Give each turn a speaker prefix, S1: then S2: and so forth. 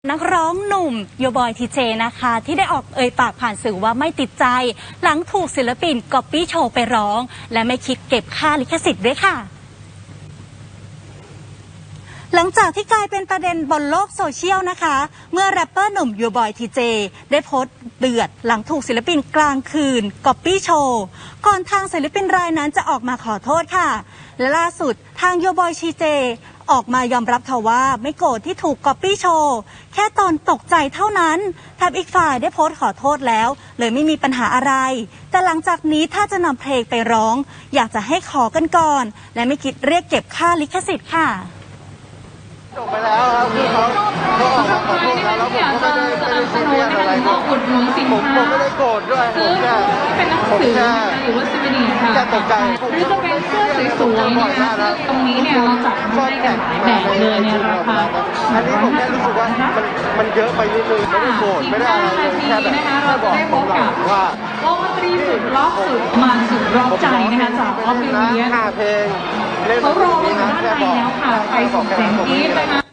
S1: นักร้องหนุ่มโยบอยทีเจนะคะที่ได้ออกปากผ่านสื่อว่าไม่ติดใจหลังถูกศิลปินก๊อปปี้โชว์ไปร้องและไม่คิดเก็บค่าลิขสิทธิ์ด้วยค่ะหลังจากที่กลายเป็นประเด็นบนโลกโซเชียลนะคะเมื่อแรปเปอร์หนุ่มโยบอยทีเจได้โพสต์เดือดหลังถูกศิลปินกลางคืนก๊อปปี้โชว์ก่อนทางศิลปินรายนั้นจะออกมาขอโทษค่ะและล่าสุดทางโยบอยทีเจออกมายอมรับค่ะว่าไม่โกรธที่ถูกก๊อปปี้โชว์แค่ตอนตกใจเท่านั้นแถมอีกฝ่ายได้โพสต์ขอโทษแล้วเลยไม่มีปัญหาอะไรแต่หลังจากนี้ถ้าจะนำเพลงไปร้องอยากจะให้ขอกันก่อนและไม่คิดเรียกเก็บค่าลิขสิทธิ์ค่ะ
S2: จบไปแล้วครับคือเขาออกมาขอโทษแล้วผมก็ไม่ได้ซีเรียสอะไรผมไม่ได้โกรธด้วยผมแค่
S3: หรือว่าซีดีค่ะ
S2: ตกใจ
S3: หรือจะเป็นเสื้อสวยๆนะคะตรงนี้เนี่ยเราจัดให้กันหลายแบบเลยในราคา
S2: อันนี้ผมแค่รู้สึกว่ามันเยอะไปนิดนึงไม่ได้โกรธไม่ได้อะไรแค่แบบ
S3: เราจะได้พบกับวงดนตรีสุดล็อกสุดมันสุดร็อกใจนะคะจากออฟฟิเลียน
S2: เพลง
S3: เขารออยู่ด้านในแล้วค่ะไปส่งเสียงกรี๊ดนะคะ